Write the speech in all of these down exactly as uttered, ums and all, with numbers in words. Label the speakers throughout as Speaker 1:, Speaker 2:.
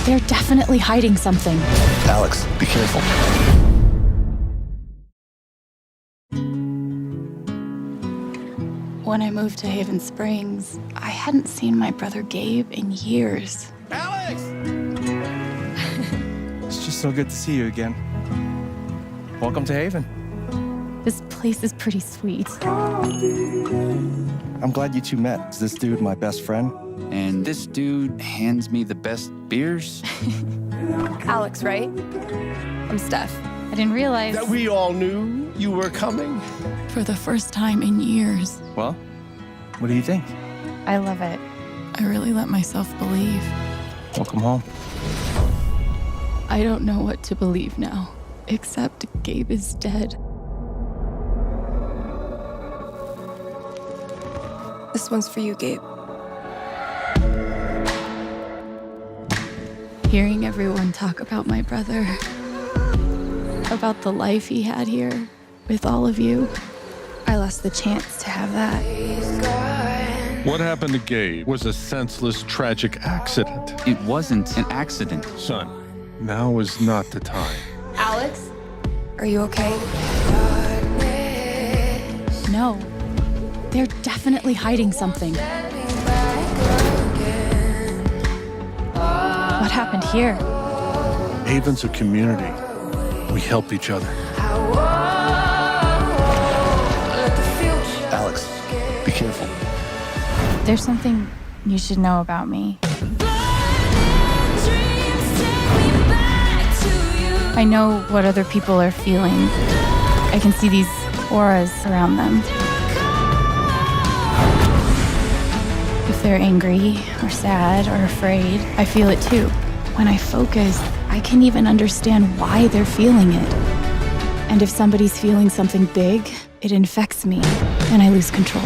Speaker 1: They're definitely hiding something.
Speaker 2: Alex, be careful.
Speaker 1: When I moved to Haven Springs, I hadn't seen my brother Gabe in years.
Speaker 2: Alex! It's just so good to see you again. Welcome to Haven.
Speaker 1: This place is pretty sweet.
Speaker 2: I'm glad you two met. Is this dude my best friend?
Speaker 3: And this dude hands me the best beers.
Speaker 4: Alex, right? I'm Steph.
Speaker 1: I didn't realize
Speaker 5: That we all knew you were coming.
Speaker 1: for the first time in years,
Speaker 2: Well, what do you think?
Speaker 1: I love it. I really let myself believe.
Speaker 2: Welcome home.
Speaker 1: I don't know what to believe now, except Gabe is dead.
Speaker 4: This one's for you, Gabe.
Speaker 1: Hearing everyone talk about my brother, about the life he had here with all of you, I lost the chance to have that.
Speaker 6: What happened to Gabe was a senseless, tragic accident.
Speaker 3: It wasn't an accident.
Speaker 6: Son, now is not the time.
Speaker 4: Alex? Are you okay?
Speaker 1: No, they're definitely hiding something. What happened here?
Speaker 6: Haven's a community. We help each other.
Speaker 2: Alex, be careful.
Speaker 1: There's something you should know about me. I know what other people are feeling. I can see these auras around them. If they're angry or sad or afraid, I feel it too. When I focus, I can even understand why they're feeling it. And if somebody's feeling something big, it infects me and I lose control.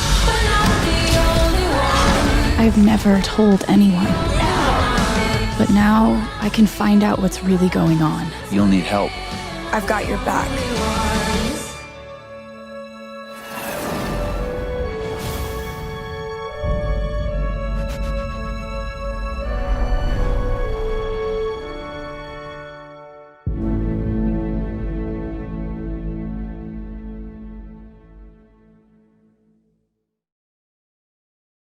Speaker 1: I've never told anyone. But now I can find out what's really going on.
Speaker 3: You'll need help.
Speaker 4: I've got your back.